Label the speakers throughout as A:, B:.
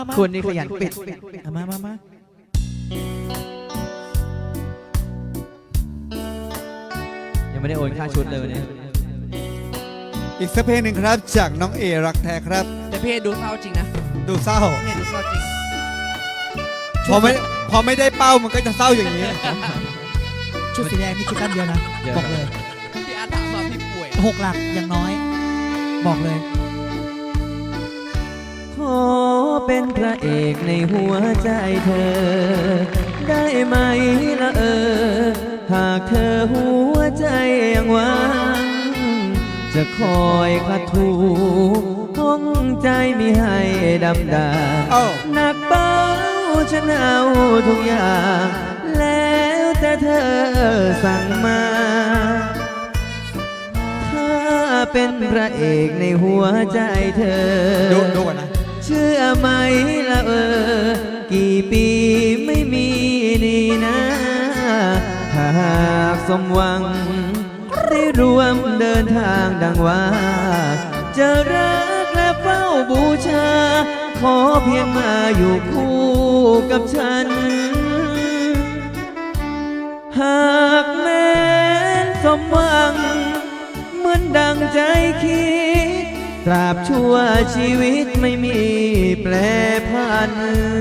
A: คุณนี่ขยันปิด
B: มา
A: ยังไม่ได้โอนค่าชุดเลยวันนี้
C: อีกสักเพลงหนึ่งครับจากน้องเอรักแท้ครับ
D: แต่พี่ดูเศร้าจริงนะ
C: ดูเศร้า
D: เนี่ยดูเศร้าจริง
C: พอไม่ได้เป้ามันก็จะเศร้าอย่างนี้
B: ชุดสีแดงนี่คิดตั้นเดียวนะ บอกเลย
D: พี่อาร์ตถามว่าพี่ป่วย
B: 6 หลักอย่างน้อย บอกเลย
A: ขอเป็นพระเอกในหัวใจเธอ ได้ไหมละหากเธอหัวใจยังหวังจะคอยขัดถูห้องใจมิให้ดำดา
C: เอ้า
A: หนักเบาฉันเอาทุกอย่าง แล้วแต่เธอสั่งมา ถ้าเป็นพระเอกในหัวใจเธอ
C: ดูก่อนนะ
A: เชื่อไหมละกี่ปีไม่มีนี่นะถ้าหากสมหวัง ได้รวมเดินทางดังว่า จะรักและเฝ้าบูชา ขอเพียงมาอยู่คู่กับฉัน หากแม้นสมหวังเหมือนดังใจคิด ตราบชั่วชีวิตไม่มีแปรผัน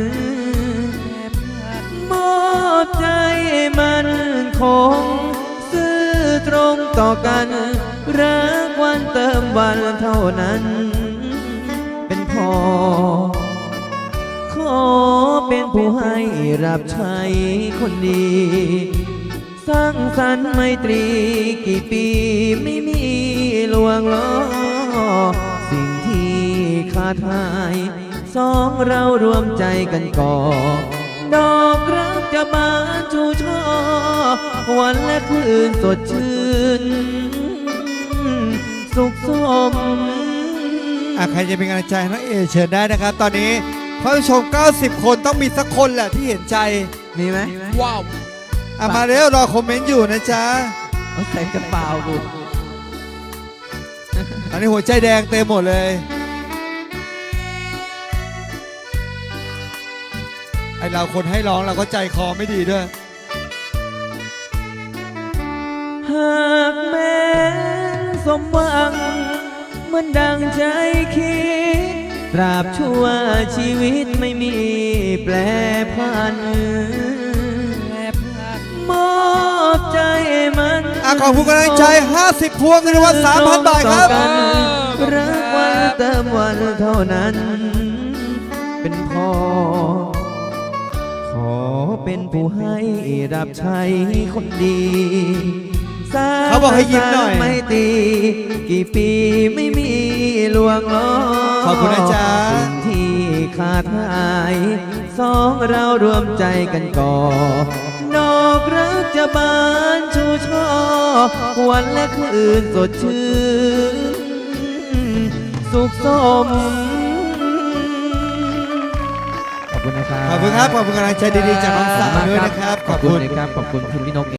A: มอบใจมันคงซื่อตรงต่อกัน รักวันเติมวันเท่านั้น เป็นพอ ขอเป็นผู้ให้รับใช้คนดี สร้างสรรค์ไมตรีกี่ปีไม่มีลวงล้อ สิ่งที่ขาดหายสองเรารวมใจกันก่อ ดอกรักจะบานชูช่อ วันและคืนสดชื่น สุขสม
C: ใครจะเป็นกำลังใจให้น้องเอเชิญได้นะครับ ตอนนี้ผู้ชม 90 คนต้องมีสักคนแหละที่เห็นใจ
A: มีไหม
D: ว้าว
C: มาเร็วรอคอมเมนต์อยู่นะจ๊ะ
A: เอาใส่กระเป๋ากู
C: ตอนนี้หัวใจแดงเต็มหมดเลย ไอเราคนให้ร้องเราก็ใจคอไม่ดีด้วย
A: หากแม้นสมหวังเหมือนดังใจคิด ตราบชั่วชีวิตไม่มีแปรผัน มอบใจมัน
C: ขอบคุณกำลังใจ 50 พวงเงินรางวัล 3,000 บาทครับ
A: ต่อกันรักวันเติมวันเท่านั้น เป็นพอ ขอเป็นผู้ให้รับใช้คนดีสร้าง
C: เขาบอกให้ยิ้มหน่อย
A: ไม่ตีกี่ปีไม่มีลวงล้อ
C: ขอบคุณนะจ๊ะ
A: สิ่งที่ขาดหายสองเรารวมใจกันก่อ ดอกรักจะบานชูช่อ วันและคืนสดชื่น สุขสม ขอบคุณนะครับ
C: ขอบคุณครับ ขอบคุณกำลังใจดีๆจากน้องสาวด้วยนะครับ
A: ขอบคุณนะครับ ขอบคุณคุณพี่นก